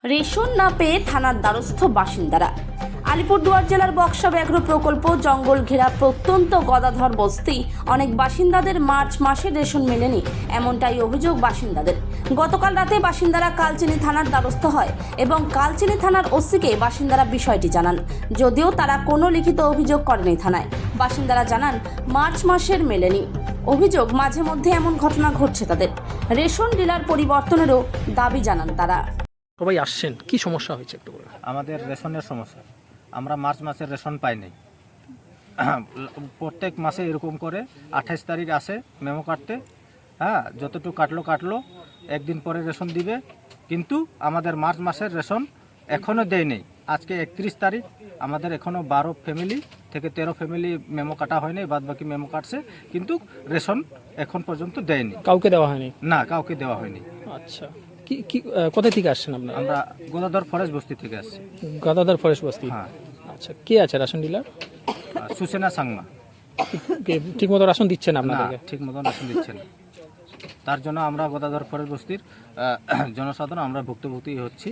Ration না পেয়ে থানার দ্বারস্থ বাসিন্দারা। আলিপুরদুয়ার জেলার বক্সা ব্যাঘ্র প্রকল্প জঙ্গল ঘেরা প্রত্যন্ত গদাধর বস্তি অনেক বাসিন্দাদের মার্চ মাসে রেশন মেলেনি, এমনটাই অভিযোগ বাসিন্দাদের। গতকাল রাতে বাসিন্দারা কালচিনি থানার দ্বারস্থ হয় এবং কালচিনি থানার ওসিকে বাসিন্দারা বিষয়টি জানান, যদিও তারা কোনো লিখিত অভিযোগ করেনি থানায়। বাসিন্দারা জানান মার্চ মাসের মেলেনি। অভিযোগ মাঝে মধ্যে এমন ঘটনা ঘটছে তাদের। রেশন ডিলার পরিবর্তনেরও দাবি জানান তারা। সবাই আসছেন, কি সমস্যা হয়েছে একটু বলুন। আমাদের রেশনের সমস্যা, আমরা মার্চ মাসের রেশন পাই নাই। প্রত্যেক মাসে এরকম করে 28 তারিখ আসে মেমো কাটতে, যতটুকু কাটলো একদিন পরে রেশন দিবে, কিন্তু আমাদের মার্চ মাসের রেশন এখনও দেয় নেই। আজকে 31 তারিখ, আমাদের এখনও 12 ফ্যামিলি থেকে 13 ফ্যামিলি মেমো কাটা হয়নি, বাদ বাকি মেমো কাটছে, কিন্তু রেশন এখন পর্যন্ত দেয়নি। কাউকে দেওয়া হয়নি? না, কাউকে দেওয়া হয়নি। আচ্ছা, কি কোথা থেকে আসছেন আপনারা? আমরা গোদাধর ফরেস্ট বস্তি থেকে আসছি। গাদাদার ফরেস্ট বস্তি। হ্যাঁ। আচ্ছা, কে আছে রেশন ডিলার? সুসেনা সাংমা। ঠিক মতো রেশন দিচ্ছেন না, আপনাদেরকে? ঠিক মতন রেশন দিচ্ছে না। তার জন্য আমরা গোদাধর ফরেস্ট বস্তির জনসাধারণ আমরা ভুক্তভোগী হচ্ছি।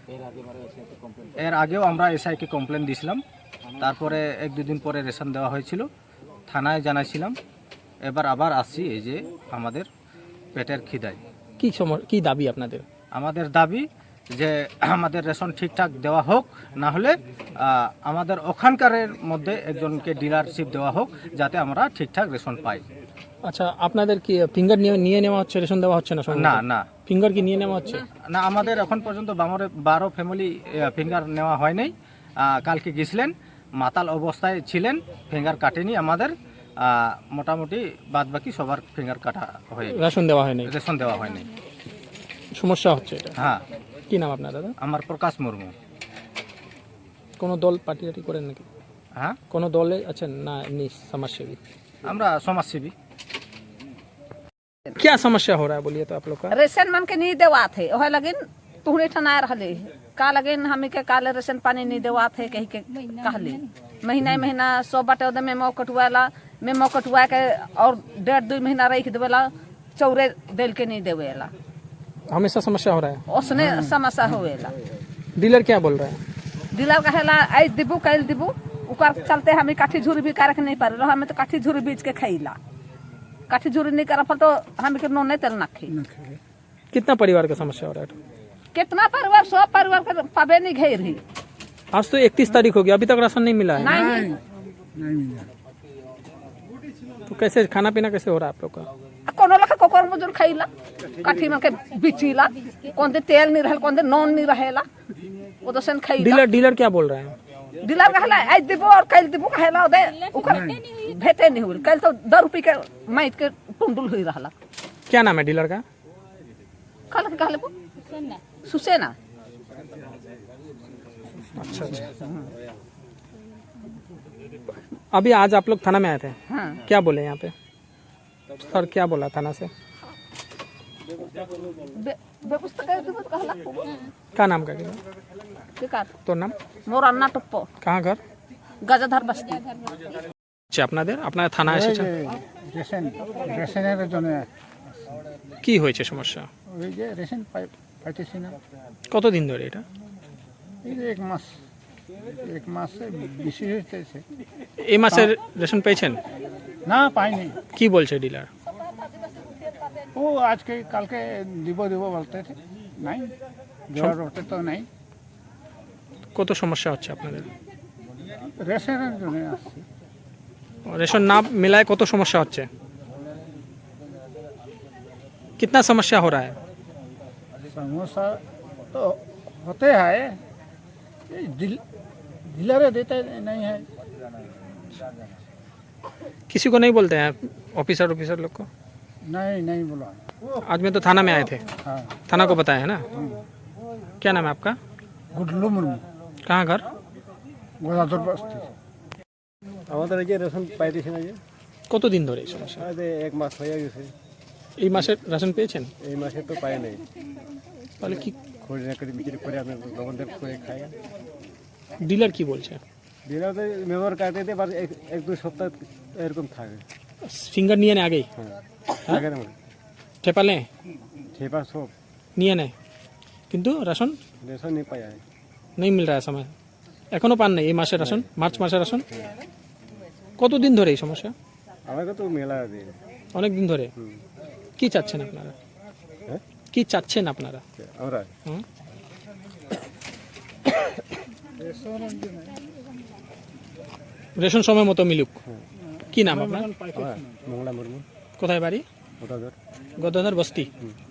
এর আগেও আমরা এসআইকে কমপ্লেন দিয়েছিলাম, তারপরে 1-2 দিন পরে রেশন দেওয়া হয়েছিল, থানায় জানাইছিলাম। এবার আবার আসছি, এই যে আমাদের পেটের খিদায়। কি দাবি আপনাদের? আমাদের দাবি যে আমাদের রেশন ঠিকঠাক দেওয়া হোক, না হলে আমাদের ওখানকারের মধ্যে একজনকে ডিলারশিপ দেওয়া হোক, যাতে আমরা ঠিকঠাক রেশন পাই। আচ্ছা, আপনাদের কি ফিঙ্গার নিয়ে নেওয়া হচ্ছে, রেশন দেওয়া হচ্ছে না? না না, ফিঙ্গার কি নিয়ে নেওয়া হচ্ছে না, আমাদের এখন পর্যন্ত 12 ফ্যামিলি ফিঙ্গার নেওয়া হয় নাই। কালকে গেছিলেন, মাতাল অবস্থায় ছিলেন, ফিঙ্গার কাটেনি আমাদের। মোটামুটি বাদ বাকি সবার ফিঙ্গার কাটা হয়ে রেশন দেওয়া হয়নি? রেশন দেওয়া হয়নি। সমস্যা হচ্ছে এটা? হ্যাঁ। কি নাম আপনার দাদা? আমার প্রকাশ মুর্মু। কোনো দল পার্টি করেন নাকি? হ্যাঁ, কোনো দলে আছেন না এমনি समाजसेवी? আমরা সমাজসেবী। क्या समस्या हो रहा है बोलिए तो आप लोग का? रेशन मन के नहीं देवा थे, ओहे लगिन तुहरे ठना रहले का लगिन हमी के काले रेशन पानी नहीं देवा थे कही के कहले। महीना 100 बाटे ओदे मेमो कटुआ के और 1.5-2 महीना रख देवेला, चौरे देल के नहीं देवेला, हमेशा समस्या हो रहा है। उसने समस्या होवेला। डीलर क्या बोल रहा है? डीलर कहेला आई दिबू कैल दिबू, उकर चलते हमी काठी झुरी भी कारक नहीं पारे, हमें तो काठी झुरी बीच के खैला, काठी झुरी नहीं करा फल तो हम के नो नहीं तेल नाखी। कितना परिवार का समस्या हो रहा है? कितना परिवार, 100 परिवार के पाबे नहीं घेर ही। आज तो 31 तारीख हो गया, अभी तक राशन नहीं मिला है। नहीं तो कैसे खाना पीना कैसे हो रहा है आप लोग का? कोनो लखा कोकर मजूर खैला, काठी में के बिचीला, कौन दे तेल नहीं रहल, कौन दे नॉन नहीं रहेला, वो तो सन खैला। डीलर क्या बोल रहा है? डीलर कहला आज दिबो और कल दिबो कहला दे, उकर भेटे नहीं हुई, कल तो 10 रुपए के माइट के टुंडुल हुई रहला। क्या नाम है डीलर का? कहला के कहले सुसेना। अच्छा। अभी आज आप लोग थाना में आए थे? हाँ। क्या बोले यहाँ पे सर, क्या बोला थाना से? व्यवस्था कर दिबो कहला। क्या नाम का किधर? बेकार तो नाम मोर अन्ना टप्पो, कहाँ घर? গজাধার বস্তি। আচ্ছা, আপনার থানা এসেছেন? রেশনের জন্য কি হয়েছে সমস্যা? ওই যে রেশন পাইতেছি না। কতদিন ধরে এটা? এই যে এক মাস বেশি হইতেছে। এই মাসের রেশন পেয়েছেন? না, পাইনি। কি বলছে ডিলার? ও আজকে কালকে দিব বলতে নাই, দেওয়ার ওটা তো নাই। কত সমস্যা হচ্ছে আপনাদের? রেশনের জন্য আসছে। रेशन ना मिलाए कत समस्या होच्छे? कितना समस्या हो रहा है? समस्या तो होते हैं, डीलर देते नहीं है। किसी को नहीं बोलते हैं ऑफिसर लोग को? नहीं बोला। आज में तो थाना में आए थे। हाँ। थाना को बताया है ना? क्या नाम है आपका? गुडलू मुर्मू। कहाँ घर? গোদাধর বস্তি। আমাদের এই যে রেশন পাইতেছি না, যে কতদিন ধরে এই সমস্যা? আজ 1 মাস হয়ে গেছে। এই মাসের রেশন পেয়েছেন? এই মাসে তো পাই নাই, তাহলে কি খোঁজ না করে বিক্রি করে আমি লবণদের করে খাই। ডিলার কি বলছে? দিলাতে মেমোর কাটে দিয়ে 1-2 সপ্তাহ এরকম থাকে। ফিঙ্গার নিয়ে নেয় আগেই? হ্যাঁ, আগের মতো ঠেপালে সেবার সব নিয়ে নেয়। কিন্তু রাশন रेशन नहीं पाया है। नहीं मिल रहा है समय এখনো পান নাই এই মাসের রাশন মার্চ মাসের রাশন কতদিন ধরে এই সমস্যা हमारे तो मेला दे অনেক দিন ধরে কি চাচ্ছেন আপনারা হ্যাঁ? কি চাচ্ছেন আপনারা আমরা হুম? রেশন সময় মতো মিলুক কি নাম আপনার মঙ্গলা মুর্মু কোথায় বাড়ি ওটাদের গদাধর বস্তি